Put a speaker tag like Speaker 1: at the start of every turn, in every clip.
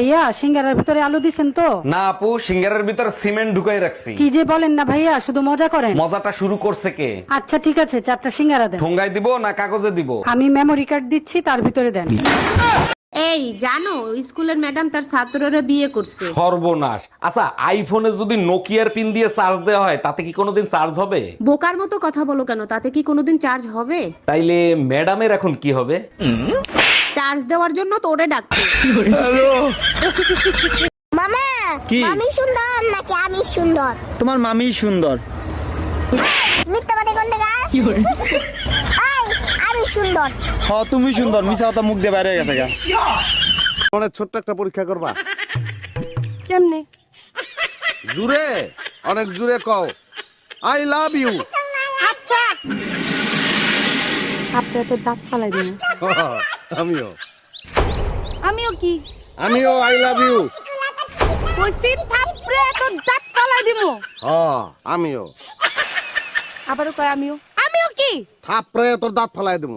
Speaker 1: ভাইয়া সিঙ্গারার ভিতরে আলু দিছেন তো?
Speaker 2: না আপু, সিঙ্গারের ভিতর সিমেন্ট ঢুকাই রাখছি।
Speaker 1: কি যে বলেন না ভাইয়া, শুধু মজা করেন।
Speaker 2: মজাটা শুরু করছে কে?
Speaker 1: আচ্ছা ঠিক আছে, 4টা সিঙ্গারা দেন।
Speaker 2: ঠোঙ্গায় দিব না কাগজে দিব?
Speaker 1: আমি মেমোরি কার্ড দিচ্ছি, তার ভিতরে দেন।
Speaker 3: এই জানো স্কুলের ম্যাডাম তার ছাত্ররা বিয়ে করছে।
Speaker 2: সর্বনাশ। আচ্ছা, আইফোনে যদি নোকিয়ার পিন দিয়ে চার্জ দেওয়া হয় তাতে কি কোনোদিন চার্জ হবে?
Speaker 3: বোকার মতো কথা বলো কেন, তাতে কি কোনোদিন চার্জ হবে?
Speaker 2: তাইলে ম্যাডামের এখন কি হবে?
Speaker 3: চার্জ দেওয়ার জন্য তোরে ডাকছে।
Speaker 4: মামা
Speaker 5: কি?
Speaker 4: আমি সুন্দর নাকি আমি সুন্দর?
Speaker 5: তোমার মামি সুন্দর।
Speaker 4: মিথ্যা কথা কোন জায়গা? আমি সুন্দর।
Speaker 5: তুমি সুন্দর, মিছা কথা মুখ দিয়ে বাইরে হয়ে গেছে গা।
Speaker 6: অনেক ছোট্ট একটা পরীক্ষা করবা।
Speaker 1: কেমনে?
Speaker 6: জুড়ে, অনেক জুড়ে কও আই লাভ ইউ।
Speaker 4: আচ্ছা
Speaker 1: আপনি তো দাঁত ফালাই দিন।
Speaker 6: আমিও
Speaker 1: আমিও কি?
Speaker 6: আমিও আই লাভ ইউ।
Speaker 1: কইছি থাপড়ে তো দাঁত ফালাই দিমু।
Speaker 6: আমিও
Speaker 1: আবারও কয় আমিও। আমিও কি?
Speaker 6: থাপড়ে তোর দাঁত ফেলাই দেবো।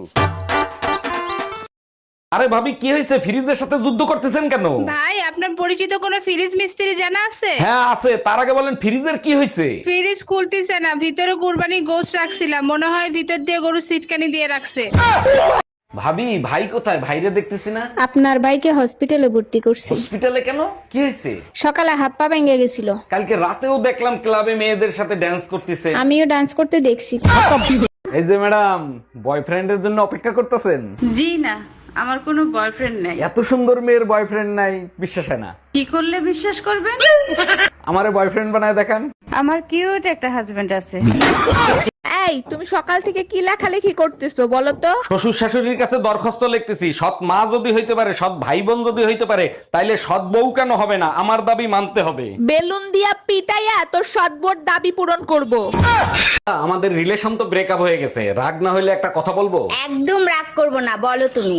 Speaker 2: আরে ভাবি, কি হয়েছে? ফ্রিজের সাথে যুদ্ধ করতেছেন কেন?
Speaker 7: ভাই আপনার পরিচিত কোনো ফ্রিজ মিস্ত্রি জানা আছে?
Speaker 2: হ্যাঁ আছে, তার আগে বলেন ফ্রিজের কি হয়েছে?
Speaker 7: ফ্রিজ খুলতেছে না, ভিতরে কুরবানি গোশত রাখছিলাম, মনে হয় ভিতর দিয়ে গরু সিটকানি দিয়ে রাখছে।
Speaker 2: ভাবি, ভাই কোথায়? ভাইরে দেখতেছি না।
Speaker 8: আপনার ভাইকে হসপিটালে ভর্তি করছি।
Speaker 2: হসপিটালে কেন? কি হয়েছে?
Speaker 8: সকালে হাত পা ভেঙে গেছিল।
Speaker 2: কালকে রাতেও দেখলাম ক্লাবে মেয়েদের সাথে ড্যান্স করতেছে।
Speaker 8: আমিও ডান্স করতে দেখছি।
Speaker 2: এই যে ম্যাডাম, বয়ফ্রেন্ডের জন্য অপেক্ষা করতেছেন?
Speaker 7: জি না, আমার কোনো বয়ফ্রেন্ড নাই।
Speaker 2: এত সুন্দর মেয়ের বয়ফ্রেন্ড নাই, বিশ্বাস হয় না।
Speaker 7: কি করলে বিশ্বাস করবেন?
Speaker 2: আমারে বয়ফ্রেন্ড বানায় দেখান।
Speaker 7: আমার কিউট একটা হাজবেন্ড আছে।
Speaker 8: এই তুমি সকাল থেকে কি লেখালেখি করতেছো বলো তো?
Speaker 2: শ্বশুর শাশুড়ির কাছে দরখাস্ত লিখতেছি, সৎ মা যদি হইতে পারে, সৎ ভাই বোন যদি হইতে পারে, তাইলে সৎ বউ কেন হবে না? আমার দাবি মানতে হবে।
Speaker 8: বেলুন দিয়া পিটাইয়া তোর সদবোর দাবি পূরণ করব।
Speaker 2: আমাদের রিলেশন তো ব্রেকআপ হয়ে গেছে, রাগ না হইলে একটা কথা বলবো?
Speaker 4: একদম রাগ করব না, বলো তুমি।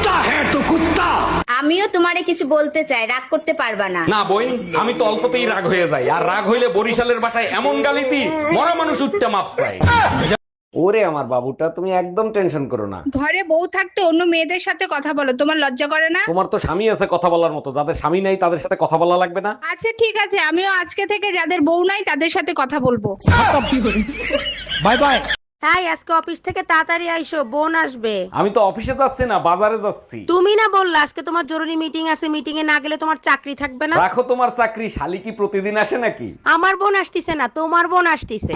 Speaker 4: আমিও তোমারে কিছু বলতে চাই, রাগ করতে পারবা না।
Speaker 2: না বোন, আমি তো অল্পতেই রাগ হয়ে যাই, আর রাগ হইলে বরিশালের ভাষায় এমন গালি দিই মরা মানুষ উঠতে মাপ চায়। ওরে আমার বাবুটা, তুমি একদম টেনশন করো না।
Speaker 7: ঘরে বউ থাকতে অন্য মেয়েদের সাথে কথা বলো, তোমার লজ্জা করে না?
Speaker 2: তোমার তো স্বামী আছে কথা বলার মতো, যাদের স্বামী নাই তাদের সাথে কথা বলা লাগবে না?
Speaker 7: আচ্ছা ঠিক আছে, আমিও আজকে থেকে যাদের বউ নাই তাদের সাথে কথা বলবো।
Speaker 5: Bye bye.
Speaker 1: তাই আজকে অফিস থেকে তাড়াতাড়ি আইসো, বোন আসবে।
Speaker 2: আমি তো অফিসে যাচ্ছি না, বাজারে যাচ্ছি।
Speaker 1: তুমি না বললা আজকে তোমার জরুরি মিটিং আছে, মিটিং এ না গেলে তোমার চাকরি থাকবে না?
Speaker 2: রাখো তোমার চাকরি, শালি কি প্রতিদিন আসে নাকি?
Speaker 1: আমার বোন আসতিছে না, তোমার বোন আসতিছে।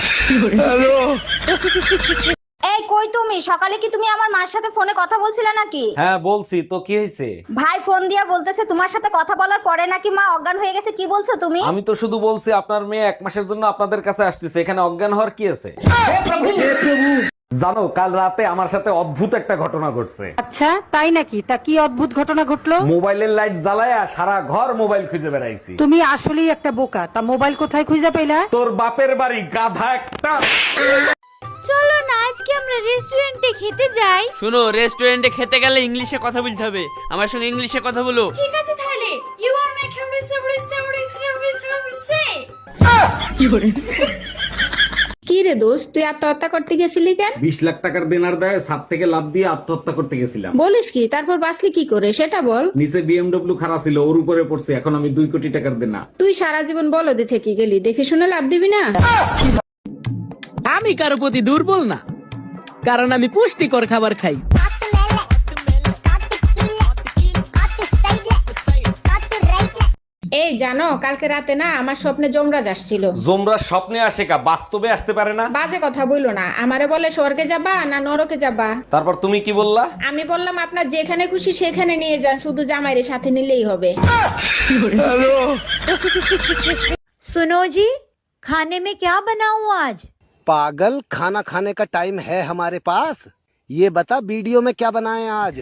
Speaker 4: এই কই তুমি? সকালে কি তুমি আমার মার সাথে ফোনে কথা বলছিলে নাকি?
Speaker 2: হ্যাঁ বলছি তো, কি হয়েছে?
Speaker 4: ভাই ফোন দিয়া বলতেছে তোমার সাথে কথা বলার পরে নাকি মা অজ্ঞান হয়ে গেছে। কি বলছো তুমি?
Speaker 2: আমি তো শুধু বলছি আপনার মেয়ে 1 মাসের জন্য আপনাদের কাছে আসতেছে, এখানে অজ্ঞান হওয়ার কি আছে? জানো, কাল রাতে আমার সাথে অদ্ভুত একটা ঘটনা ঘটছে।
Speaker 1: আচ্ছা তাই নাকি? তা কি অদ্ভুত ঘটনা ঘটলো?
Speaker 2: মোবাইলের লাইট জ্বালায়া সারা ঘর মোবাইল খুঁজে বেড়াইছি।
Speaker 1: তুমি আসলেই একটা বোকা। তা মোবাইল কোথায় খুঁজে পেলা?
Speaker 2: তোর বাপের বাড়ি, গাধা একটা।
Speaker 9: চলো না আজকে আমরা রেস্টুরেন্টে খেতে যাই।
Speaker 10: শোনো, রেস্টুরেন্টে খেতে গেলে ইংলিশে কথা বলতে হবে, আমার সঙ্গে ইংলিশে কথা বলো।
Speaker 9: ঠিক আছে তাহলে ইউ আর মাই
Speaker 8: কি রে দোস্ত, তুই আত্মহত্যা করতে গেছিলি কেন?
Speaker 2: 20 লাখ টাকার দেনার দেয় ছাদ থেকে লাফ দিয়ে আত্মহত্যা করতে গেছিলাম।
Speaker 8: বলিস কি? তারপর বাঁচলি কি করে সেটা বল।
Speaker 2: নিচে বিএমডব্লিউ খারাপ ছিল, ওর উপরে পড়ছে, এখন আমি 2 কোটি টাকার দেনা।
Speaker 8: তুই সারা জীবন বলদে থেকে গেলি, দেখে শুনে লাভ দিবি না।
Speaker 10: আমি কারো প্রতি দুর্বল না, কারণ আমি পুষ্টিকর খাবার খাই।
Speaker 8: এই জানো, কালকে রাতে না আমার স্বপ্নে যমরাজ আসছিল।
Speaker 2: জোমরা স্বপ্নে আসে কা, বাস্তবে আসতে পারে না?
Speaker 8: বাজে কথা বইলো না, আমারে বলে স্বর্গে যাবা না নরকে যাবা।
Speaker 2: তারপর তুমি কি বললা?
Speaker 8: আমি বললাম আপনার যেখানে খুশি সেখানে নিয়ে যান, শুধু জামাইরে সাথে নিলেই হবে।
Speaker 9: सुनो जी, खाने में क्या बनाऊं आज?
Speaker 5: पागल, खाना खाने का टाइम है हमारे पास। ये बता वीडियो में क्या बनाए आज?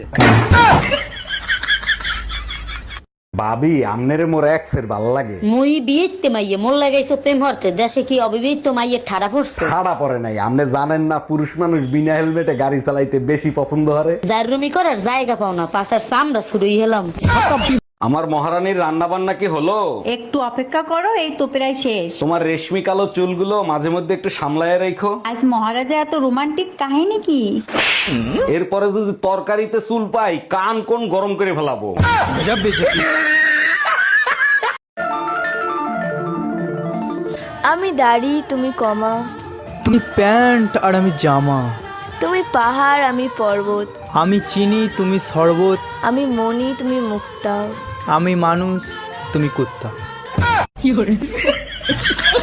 Speaker 2: ভাবি, আমনেরে মোর এক্সের ভাল লাগে।
Speaker 11: মুই বিয়েতে মাইয়ে মোর লাগাইছো প্রেম হরতে, দেশে কি অবিবাহিত মাইয়ে ঠাড়া পড়ছে?
Speaker 2: খাড়া পড়ে নাই, আমনে জানেন না পুরুষ মানুষ বিনা হেলমেটে গাড়ি চালাইতে বেশি পছন্দ করে।
Speaker 11: দারুমি করার জায়গা পাও না, পাশার চামড়া শুরুই হলাম।
Speaker 2: আমার মহারানীর রান্না বান্না কি হলো?
Speaker 9: একটু অপেক্ষা করো, এই তো প্রায় শেষ।
Speaker 2: তোমার রেশমি কালো চুলগুলো মাঝে মধ্যে একটু সামলায় রেখো।
Speaker 9: আজ মহারাজা এত রোমান্টিক কাহিনী কি?
Speaker 2: এরপরে যদি তরকারিতে চুল পাই, কান কোন গরম করে ফেলাবো।
Speaker 9: আমি দাড়ি তুমি কমা,
Speaker 10: তুমি প্যান্ট আর আমি জামা,
Speaker 9: তুমি পাহাড় আমি পর্বত,
Speaker 10: আমি চিনি তুমি শরবত,
Speaker 9: আমি মনি তুমি মুক্তা।
Speaker 10: আমি মানুষ তুমি কুত্তা।